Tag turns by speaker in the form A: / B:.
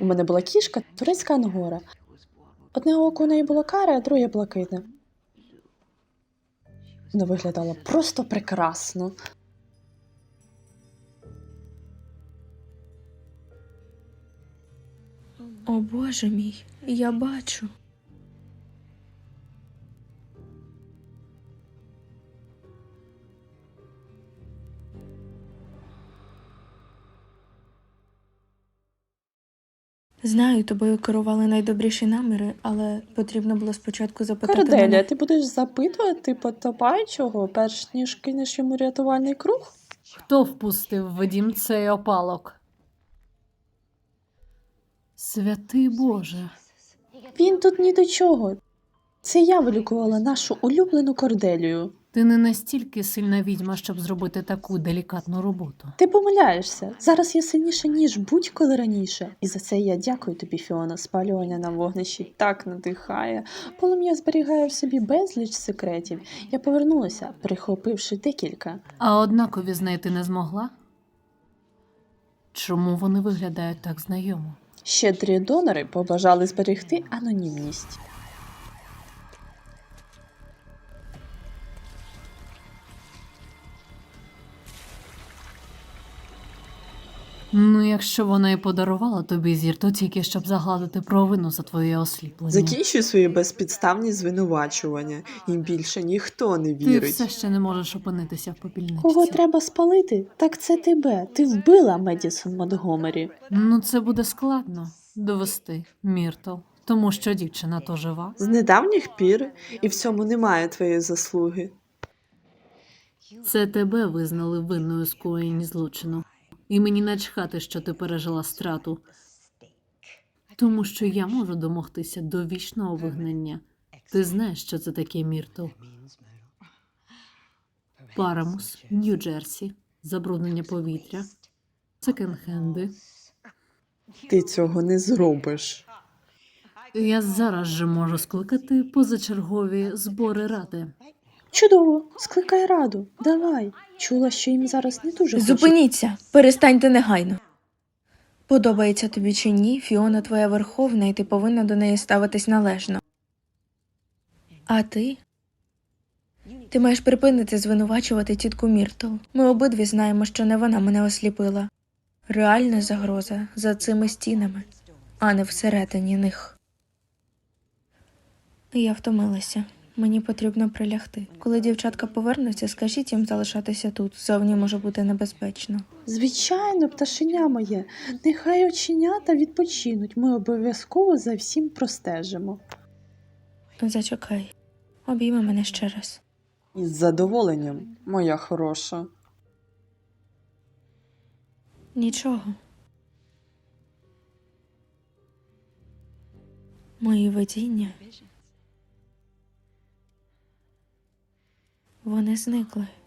A: У мене була кішка, турецька ангора. Одне око у неї було каре, а друге блакитне. Вона виглядала просто прекрасно.
B: О, Боже мій, я бачу.
C: Знаю, тобою керували найдобріші наміри, але потрібно було спочатку запитати
A: Корделія,
C: мене.
A: ти будеш запитувати потопаючого, перш ніж кинеш йому рятувальний круг?
D: Хто впустив в дім цей опалок? Святий Боже.
A: Він тут ні до чого. Це я вилікувала нашу улюблену Корделію.
D: Ти не настільки сильна відьма, щоб зробити таку делікатну роботу.
A: Ти помиляєшся. Зараз я сильніша, ніж будь-коли раніше. І за це я дякую тобі, Фіона. Спалювання на вогнищі так надихає. Полум'я зберігає в собі безліч секретів. Я повернулася, прихопивши декілька.
D: А однакові знайти не змогла? Чому вони виглядають так знайомо?
A: Щедрі донори побажали зберегти анонімність.
D: Ну, якщо вона і подарувала тобі зір, то тільки щоб загладити провину за твоє осліплення.
E: Закінчуй свої безпідставні звинувачування. Їм більше ніхто не
D: Ти
E: вірить.
D: все ще не можеш опинитися в попільничці.
A: Кого треба спалити? Так це тебе. Ти вбила Медісон Монтгомері.
D: Ну, це буде складно довести, Міртл, тому що дівчина то жива.
E: З недавніх пір і в цьому немає твоєї заслуги.
D: Це тебе визнали винною у скоєнні злочину. І мені начхати, що ти пережила страту. Тому що я можу домогтися довічного вигнання. Ти знаєш, що це таке, Міртл? Парамус, Нью-Джерсі, забруднення повітря, секонд-хенди.
A: Ти цього не зробиш.
D: Я зараз же можу скликати позачергові збори ради.
A: Чудово, скликай раду. Давай. Чула, що їм зараз не дуже хочеться.
C: Зупиніться, перестаньте негайно. Подобається тобі чи ні, Фіона твоя верховна, і ти повинна до неї ставитись належно. А ти? Ти маєш припинити звинувачувати тітку Міртл. Ми обидві знаємо, що не вона мене осліпила. Реальна загроза за цими стінами, а не всередині них. Я втомилася. Мені потрібно прилягти. Коли дівчатка повернуться, скажіть їм залишатися тут. Зовні може бути небезпечно.
A: Звичайно, пташеня моє. Нехай оченята відпочинуть. Ми обов'язково за всім простежимо.
C: Зачекай. Обійми мене ще раз.
A: Із задоволенням, моя хороша.
C: Нічого. Мої видіння. Вони зникли.